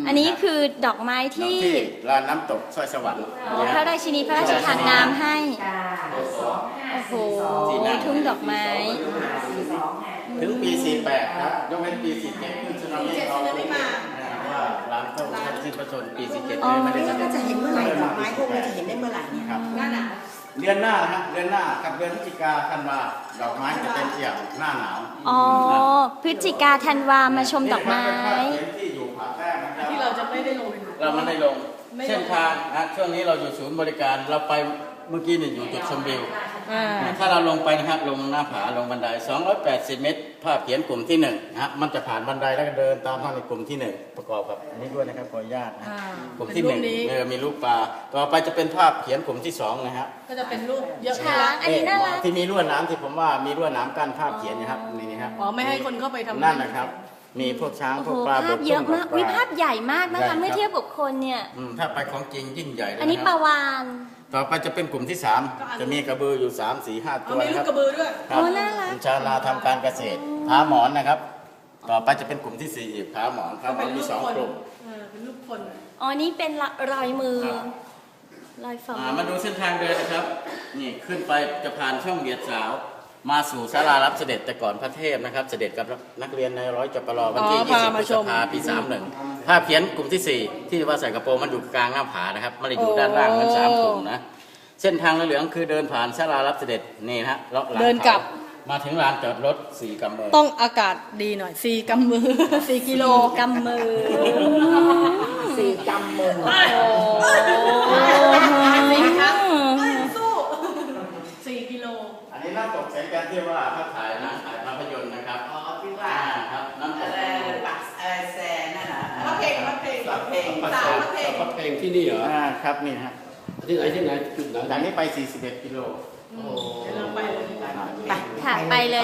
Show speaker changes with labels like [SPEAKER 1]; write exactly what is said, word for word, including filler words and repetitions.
[SPEAKER 1] อันนี้คือดอกไม้ที่
[SPEAKER 2] ลานน้ำตกสร้อยสวรรค์
[SPEAKER 1] พระราชินีพระราชทานนามให้โอ้โหทุ่งดอกไม้
[SPEAKER 2] ถึงปีสี่แปดครับยกเว้นปีสี่เจ็ดขึ้นสึนามิเขาว่าร้านต้องทำสิ้นประชนปีสี่เจ็ดไม่ได้
[SPEAKER 3] เราจะเห็นเมื่อไหร่ดอกไม้พวกนี้จะเห็นได้เมื่อไหร่เนี่ย
[SPEAKER 2] ครับ
[SPEAKER 3] หน้าหนาว
[SPEAKER 2] เดือนหน้าฮะเดือนหน้ากับเดือนพฤศจิกาธันวาดอกไม้จะเป็นเอี่ยมหน้าหนาว
[SPEAKER 1] อ๋อพฤศจิกาธันวามาชมดอกไม้
[SPEAKER 2] ที่อยู่ผาแต้มนะครับ
[SPEAKER 4] ที่เราจะไม่ได้ลง
[SPEAKER 2] เราไม่ได้ลงเส้นทางนะช่วงนี้เราอยู่ศูนย์บริการเราไปเมื่อกี้เนี่ยอยู่จุดชมวิวถ้าเราลงไปนะครับลงหน้าผาลงบันไดสองร้อยแปดสิบเมตรภาพเขียนกลุ่มที่หนึ่งนะฮะมันจะผ่านบันไดแล้วก็เดินตามทางในกลุ่มที่หนึ่งประกอบกับอันนี้ด้วยนะครับขออนุญาตนะกลุ่มที่หนึ่งเออมีรูปปลาต่อไปจะเป็นภาพเขียนกลุ่มที่สองนะฮะ
[SPEAKER 4] ก็จะเป็นรูปเยอะ
[SPEAKER 1] ช้างอันนี้น่ารัก
[SPEAKER 2] ที่มีลวดหนามที่ผมว่ามีลวดหนามกั้นภาพเขียนนะครับนี่นะครับ
[SPEAKER 4] อ๋อไม่ให้คนเข้าไปทำ
[SPEAKER 2] นั่นนะครับมีพวกช้าง
[SPEAKER 1] โอ้
[SPEAKER 2] พ
[SPEAKER 1] โห
[SPEAKER 2] วกปลา
[SPEAKER 1] ภาพเยอะมาก
[SPEAKER 2] บ
[SPEAKER 1] วิ
[SPEAKER 2] ก
[SPEAKER 1] ภาพใหญ่มากนะคะเมื่อเทียบกับคนเนี่ย
[SPEAKER 2] อืมถ้าไปของจริงยิ่งใหญ่เลย
[SPEAKER 1] อันนี้
[SPEAKER 2] ะ
[SPEAKER 1] ป
[SPEAKER 2] ค
[SPEAKER 1] ลา
[SPEAKER 2] รับ
[SPEAKER 1] วาน
[SPEAKER 2] ต่อไปจะเป็นกลุ่มที่สามจะมีกระบืออยู่สามสี่ห้า
[SPEAKER 4] เอา
[SPEAKER 2] ตัว
[SPEAKER 4] มี
[SPEAKER 2] นะ
[SPEAKER 4] ลู
[SPEAKER 2] ค
[SPEAKER 4] ก
[SPEAKER 2] รับ
[SPEAKER 4] กระบือด้วย
[SPEAKER 2] ครับ
[SPEAKER 1] โอ้น่ารัก
[SPEAKER 2] เป็นชาวนาทำการเกษตรผาหมอนนะครับ ต่อไปจะเป็นกลุ่มที่สี่อีกผาหมอนผาหมอนมีสองกลุ่ม
[SPEAKER 4] เออเป็นรูปคน
[SPEAKER 1] อ๋อนี่เป็นรอยมือ
[SPEAKER 2] ครับ
[SPEAKER 1] รอยฝ่า
[SPEAKER 2] อ่า
[SPEAKER 1] มือ
[SPEAKER 2] มาดูเส้นทางเดินนะครับ นี่ขึ้นไปจะผ่านช่องเบียดสาว มาสู่ศาลารับเสด็จแต่ก่อนพระเทพนะครับ เสด็จกับนักเรียนในร้อยจปรวันที่
[SPEAKER 4] อ๋อ
[SPEAKER 2] ยี่สิบ
[SPEAKER 4] พา
[SPEAKER 2] พ
[SPEAKER 4] มา
[SPEAKER 2] ฤ
[SPEAKER 4] ช
[SPEAKER 2] ษ
[SPEAKER 4] ม
[SPEAKER 2] ภาปีสามหนึ่งภาพเขียนกลุ่มที่สี่ที่ว่าใส่กระโปรงมันอยู่กลางหน้าผานะครับไม่ได้อยู่ด้านล่างทั้งสามกลุ่มนะเส้นทางเหลืองๆคือเดินผ่านศาลารับเสด็จนี่นะฮะเลาะหลัง
[SPEAKER 4] เดินกลับ
[SPEAKER 2] เขามาถึงลานจอดรถสี่กำเนิด
[SPEAKER 4] ต้องอากาศดีหน่อยสี่กำมือ สี่กิโล
[SPEAKER 1] กำมือ
[SPEAKER 3] สี่กำมือ
[SPEAKER 4] สี่ครั้งสู้สี่กิโล
[SPEAKER 2] อันนี้น้ำตกแสงจันทร์ที่ว่าถ้าถ่ายหนังถ่ายภาพยนตร์นะครับ
[SPEAKER 3] อ๋อที่ว่า
[SPEAKER 2] อ่าครับน้ำต
[SPEAKER 3] อะ
[SPEAKER 2] ก
[SPEAKER 3] ไรปักอะไรแซนนั่นน่ะ
[SPEAKER 4] พระเพลงพระเพลง
[SPEAKER 3] พระเพลง
[SPEAKER 4] สาวพระเพลง
[SPEAKER 5] พักเพลงที่นี่เหรอ
[SPEAKER 2] อ่าครับนี่ฮะ
[SPEAKER 5] ที่ไหนที่ไหนจุดไหน
[SPEAKER 2] จากนี้ไปสี่สิบเอ็ดกิโล
[SPEAKER 4] เดี๋ยวเราไปเลย
[SPEAKER 1] ค่ะไปเลย